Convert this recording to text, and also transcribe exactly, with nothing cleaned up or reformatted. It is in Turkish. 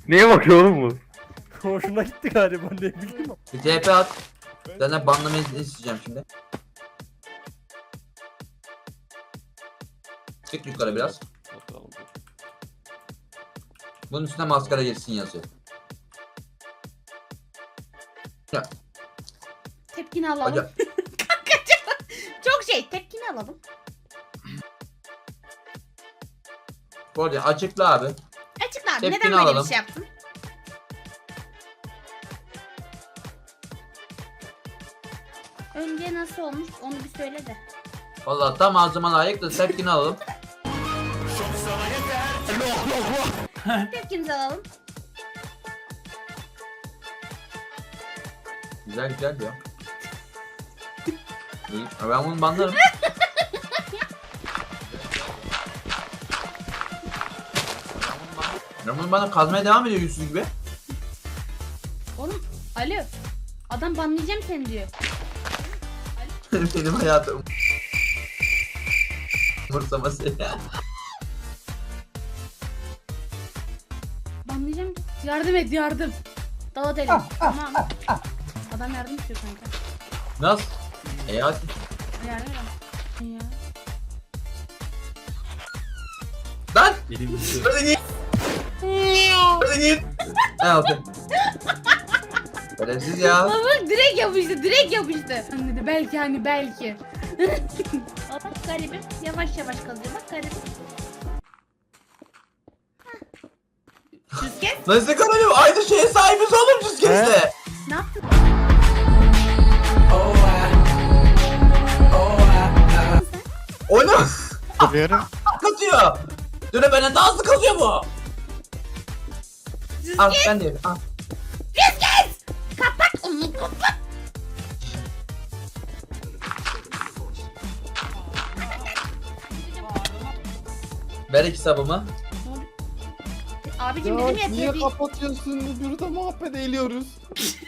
Neye bakıyor oğlum bu? Hoşuna gitti galiba, ne bileyim. Bir T P at. Senden banlamayı isteyeceğim şimdi. Çık yukarı biraz. Bunun üstüne maskara girsin yazıyor. Ya. Tepkini alalım. Hocam. Çok şey, tepkini alalım. Bu arada açıkla abi. Açıkla abi, Tepkini neden böyle alalım. bir şey yaptın? Önce nasıl olmuş onu bir söyle de. Vallahi tam ağzıma layık da tepkini alalım. Tepkinizi alalım. Güzel güzel ya. İyi. Ben bunu banlarım. Ben bunu bana kazmaya devam ediyor yüzsüz gibi. Oğlum, alo. Adam banlayacağım seni diyor. Benim hayatım. Umursaması ya. Banlayacağım. Yardım et, yardım. Dalat elim. Tamam. Adam yardım istiyor kanka. Nasıl? E hadi. Yardım et. Ya. Lan! Elim gitti. Hadi git! Hadi git! Ha okey. Şerefsiz ya. Ama bak direkt yapıştı, direkt yapıştı. Hani dedi belki hani belki. Bak garibim yavaş yavaş kalıyor bak garibim. Süzgeç Nasıl kanalım? Aynı şeye sahibiz oğlum Cüzkez'le. ne yaptın? O ne? Yapıyorum. Kazıyor. Döne benden daha hızlı kazıyor bu. Al Süzgeç ben de yedim. Al. kapat onu kapat. Ver iki sabımı. Abicim Ya dedim ya niye tabii. kapatıyorsun? Burada muhabbet ediyoruz.